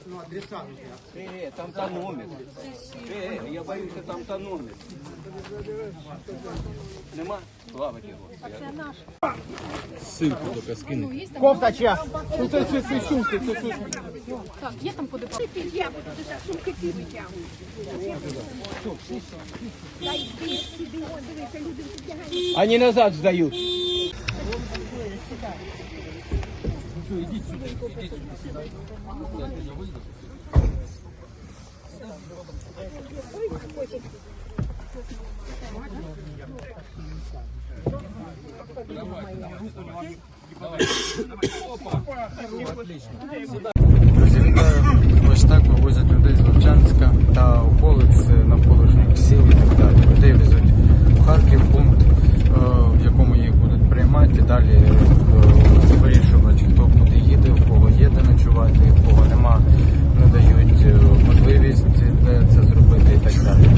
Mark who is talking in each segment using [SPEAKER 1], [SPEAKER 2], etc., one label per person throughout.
[SPEAKER 1] Ну, адреса нужны.
[SPEAKER 2] Там тонометр. Я боюся, там тонометр. Нема? Слава Богу.
[SPEAKER 3] Ссылку только скину.
[SPEAKER 1] Кофта чья?
[SPEAKER 4] Це сумки, це сумки. Так, є там куди брати? Сумки ти витягуєш.
[SPEAKER 2] Они назад сдают.
[SPEAKER 3] Друзі, вітаю. Ось так вивозять людей з Вовчанська та околиць, навколишніх сіл і так далі. Людей везуть в Харків, пункт, в якому їх будуть приймати. Далі вирішувати, хто куди їде, у кого є де ночувати, у кого нема, надають можливість де це зробити і так далі.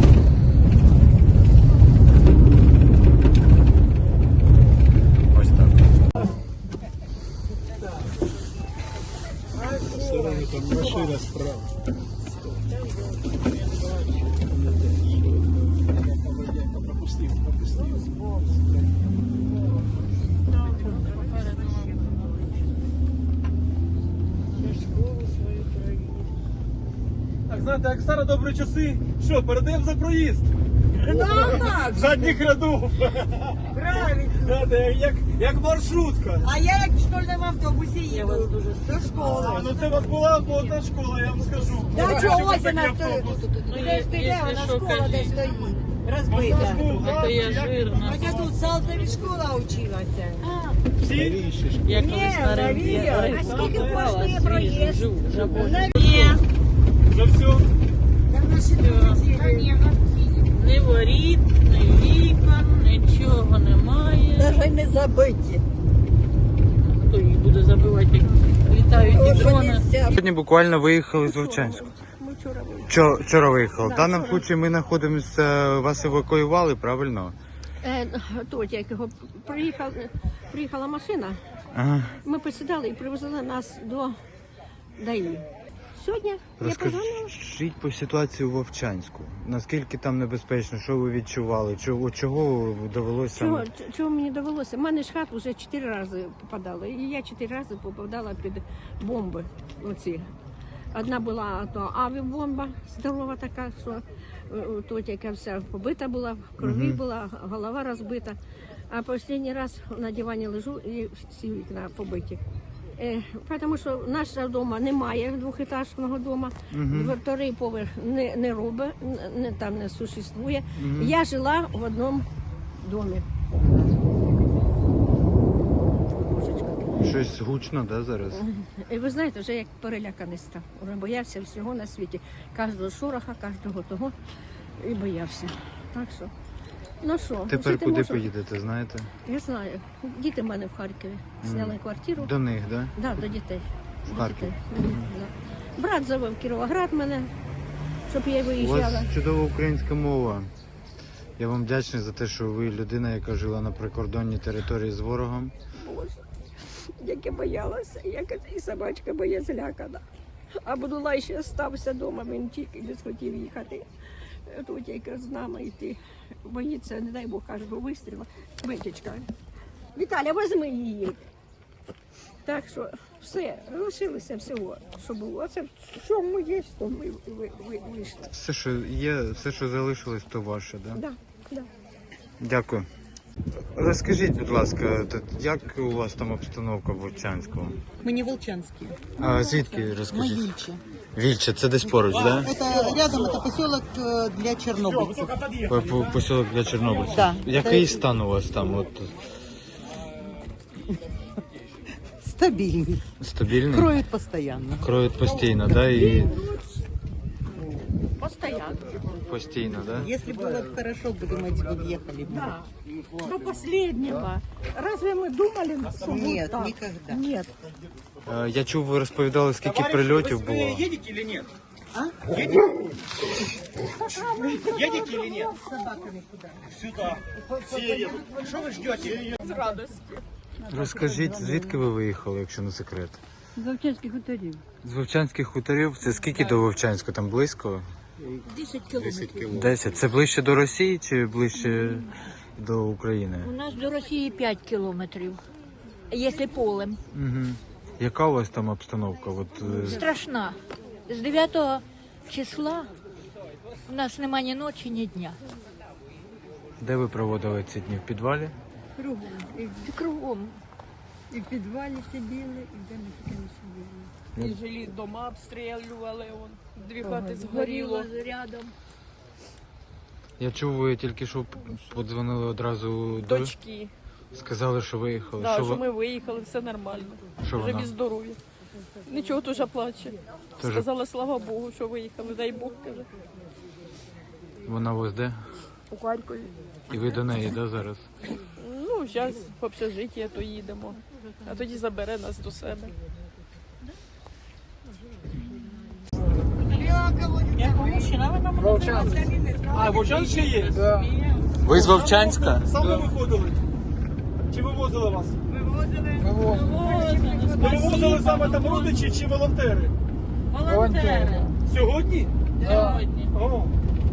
[SPEAKER 3] Ось так.
[SPEAKER 5] Там машина справа. Пропустив.
[SPEAKER 6] Так, знаєте, як старі добрі часи, що, передаємо за проїзд? Задніх рядов.
[SPEAKER 7] Правильно.
[SPEAKER 6] Знаєте, як маршрутка.
[SPEAKER 7] А я як в школьному автобусі їду до школи.
[SPEAKER 6] Ну це у вас була одна школа, я вам скажу.
[SPEAKER 7] Да чого ось
[SPEAKER 6] Такий
[SPEAKER 7] вона
[SPEAKER 6] автобус.
[SPEAKER 7] стоїть? Де ж піде, вона школа де стоїть. Розбита.
[SPEAKER 6] Це я жирна.
[SPEAKER 7] Хоча тут в Салтові школа вчилася.
[SPEAKER 6] Всі?
[SPEAKER 7] Ні, Марія. А скільки коштує проїзд?
[SPEAKER 6] Вже все?
[SPEAKER 7] Там наші друзі.
[SPEAKER 8] Ні воріт, ні вікон, нічого немає.
[SPEAKER 7] Навіть не забиті.
[SPEAKER 8] Хто їх буде забивати, як літають дрони?
[SPEAKER 3] Сьогодні буквально виїхали з Вовчанська.
[SPEAKER 4] Ми вчора виїхали.
[SPEAKER 3] Вчора виїхали. В даному випадку ми знаходимося, вас евакуювали, правильно?
[SPEAKER 4] Тут, як його приїхала машина,
[SPEAKER 3] Ага.
[SPEAKER 4] ми посідали і привезли нас до ДАІ. Сьогодні я позвонила.
[SPEAKER 3] Розкажіть по ситуації у Вовчанську. Наскільки там небезпечно, що ви відчували? Чого довелося?
[SPEAKER 4] Чого мені довелося? У мене ж хат вже 4 рази попадала. І я 4 рази попадала під бомби. Оці. Одна була то авіабомба, здорова така, що тут яка вся побита була, в крові була, голова розбита. А останній раз на дивані лежу і всі вікна побиті. Тому що нашого дому немає двохетажного дому, вторий поверх не робить, там не существує. Я жила в одному домі.
[SPEAKER 3] Щось гучно, да, зараз?
[SPEAKER 4] І ви знаєте, вже як переляканий став. Вже боявся всього на світі. Кожного шороха, кожного того. І боявся. Так що, ну що,
[SPEAKER 3] Тепер
[SPEAKER 4] жити
[SPEAKER 3] куди
[SPEAKER 4] можу.
[SPEAKER 3] поїдете, знаєте?
[SPEAKER 4] Я знаю. Діти в мене в Харкові. Зняли квартиру.
[SPEAKER 3] До них, да?
[SPEAKER 4] Да, до дітей.
[SPEAKER 3] В
[SPEAKER 4] До
[SPEAKER 3] Харків?
[SPEAKER 4] дітей. Да. Брат завив Кіровоград мене, щоб я
[SPEAKER 3] У
[SPEAKER 4] виїжджала.
[SPEAKER 3] вас чудова українська мова. Я вам вдячний за те, що ви людина, яка жила на прикордонній території з ворогом.
[SPEAKER 4] Боже, як я боялася, як і собачка моя злякана. А Будулай ще стався вдома, він тільки не схотів їхати. Тут як з нами йти. Боїться, не дай Бог, каже, вистріла. Витічка. Віталя, возьми її. Так що все, лишилося всього, що було. Це що ми є, то ми вийшли.
[SPEAKER 3] Все, що є, все, що залишилось, то ваше, да?
[SPEAKER 4] Да, да.
[SPEAKER 3] Дякую. Розкажіть, будь ласка, як у вас там обстановка в Вовчанську?
[SPEAKER 9] Мы не волчанские.
[SPEAKER 3] А звідки
[SPEAKER 9] Мы
[SPEAKER 3] розкажіть?
[SPEAKER 9] Вильче.
[SPEAKER 3] Вільче, це десь поруч, так? Да?
[SPEAKER 9] Это рядом, это поселок для чернобыльцев.
[SPEAKER 3] Поселок для чорнобильців.
[SPEAKER 9] Да.
[SPEAKER 3] Який стан у вас там? От,
[SPEAKER 9] Стабильный.
[SPEAKER 3] стабільний?
[SPEAKER 9] Кроют постоянно.
[SPEAKER 3] Кроють постійно, да? І
[SPEAKER 4] Постоянно.
[SPEAKER 3] постійно, да?
[SPEAKER 9] Если было бы хорошо, бы мы уехали.
[SPEAKER 4] Да. До последнего. Разве мы думали, что будет
[SPEAKER 9] Нет,
[SPEAKER 4] так?
[SPEAKER 9] никогда.
[SPEAKER 4] Нет.
[SPEAKER 3] Я чув, ви розповідали, скільки прильотів було.
[SPEAKER 6] Вы едете или нет? Едете или нет?
[SPEAKER 9] С собаками куда?
[SPEAKER 6] Сюда. Все едут. Что вы ждете?
[SPEAKER 4] З радості.
[SPEAKER 3] Розкажіть, звідки ви виїхали, якщо не секрет?
[SPEAKER 4] З Вовчанських хуторів.
[SPEAKER 3] З Вовчанських хуторів, це скільки до Вовчанська? Там близько?
[SPEAKER 7] 10 кілометрів.
[SPEAKER 3] 10. Це ближче до Росії чи ближче до України?
[SPEAKER 7] У нас до Росії 5 кілометрів, якщо полем.
[SPEAKER 3] Угу. Яка у вас там обстановка?
[SPEAKER 7] Страшна. З 9 числа у нас нема ні ночі, ні дня.
[SPEAKER 3] Де ви проводили ці дні? В підвалі?
[SPEAKER 7] Кругом.
[SPEAKER 4] І в підвалі сиділи, і де ми тільки не сиділи.
[SPEAKER 8] І жилі дома обстрілювали, дві хати згоріло.
[SPEAKER 7] Рядом.
[SPEAKER 3] Я чув, ви тільки що подзвонили одразу до...
[SPEAKER 8] Дочки.
[SPEAKER 3] Сказали, що виїхали.
[SPEAKER 8] Да,
[SPEAKER 3] що
[SPEAKER 8] що
[SPEAKER 3] ви-
[SPEAKER 8] ми виїхали, все нормально.
[SPEAKER 3] Що
[SPEAKER 8] Живі,
[SPEAKER 3] вона?
[SPEAKER 8] здорові. Нічого дуже плаче.
[SPEAKER 3] Тоже-
[SPEAKER 8] Сказала, слава Богу, що виїхали. Дай Бог, каже.
[SPEAKER 3] Вона ось де?
[SPEAKER 8] У Харкові.
[SPEAKER 3] І ви до неї, да, зараз?
[SPEAKER 8] Ну, зараз в общежиття то їдемо. А тоді забере нас до себе.
[SPEAKER 6] А, Вовчан ще є?
[SPEAKER 3] Ви з Вовчанська?
[SPEAKER 6] Саме виходили? Чи вивозили вас? Ви вивозили саме там родичі чи волонтери?
[SPEAKER 8] Волонтери.
[SPEAKER 6] Сьогодні?
[SPEAKER 8] Сьогодні.
[SPEAKER 6] О.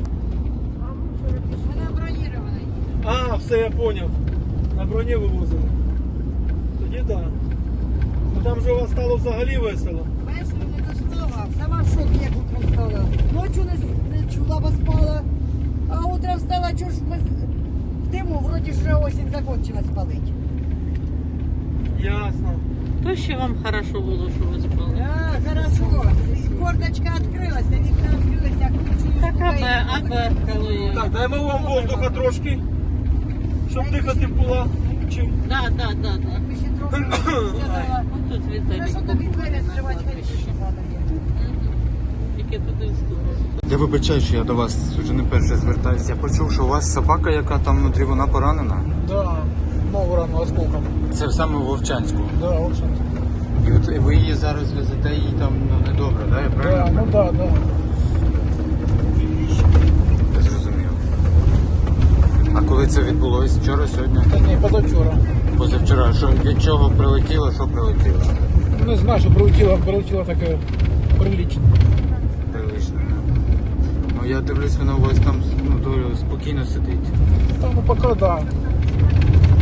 [SPEAKER 6] А, все, я поняв. На броні вивозили. Тоді так. Ну там же у вас стало взагалі весело.
[SPEAKER 9] Весело не до слова. Сама в шокі, як утром стала. Ночу не чула, бо спала. А утром встала, чого ж ми в диму, вроді ж вже осінь закончилась палить.
[SPEAKER 6] Ясно.
[SPEAKER 8] То ще вам хорошо було, що ви спали.
[SPEAKER 9] А, хорошо. Кордочка відкрилася, вікна відкрилися,
[SPEAKER 8] А бехкало я.
[SPEAKER 6] Так, даємо вам воздуха трошки, щоб дихати була. Чим?
[SPEAKER 8] Да.
[SPEAKER 9] Якби ще трохи сказала.
[SPEAKER 8] Тут
[SPEAKER 9] Ну,
[SPEAKER 8] Віталій.
[SPEAKER 9] що тобі двері відкривати, хай ще треба.
[SPEAKER 8] Тільки туди в сторону.
[SPEAKER 3] Я вибачаю, що я до вас вже не перше звертаюся. Я почув, що у вас собака, яка там внутрі, вона поранена.
[SPEAKER 5] Да, ногу рано осколком.
[SPEAKER 3] Це саме в Вовчанську.
[SPEAKER 5] Да, очень.
[SPEAKER 3] І от ви її зараз везете, їй там недобре, да? Я правильно?
[SPEAKER 5] Да, да.
[SPEAKER 3] Я зрозумів. А коли це відбулось? Вчора, сьогодні?
[SPEAKER 5] Та ні, позавчора.
[SPEAKER 3] Позавчора. Що, від чого прилетіло, що прилетіло?
[SPEAKER 5] Не знаю, що прилетіло таке прилично.
[SPEAKER 3] Прилично. Ну я дивлюсь, вона у вас там доволі спокійно сидить.
[SPEAKER 5] Там ну, поки да.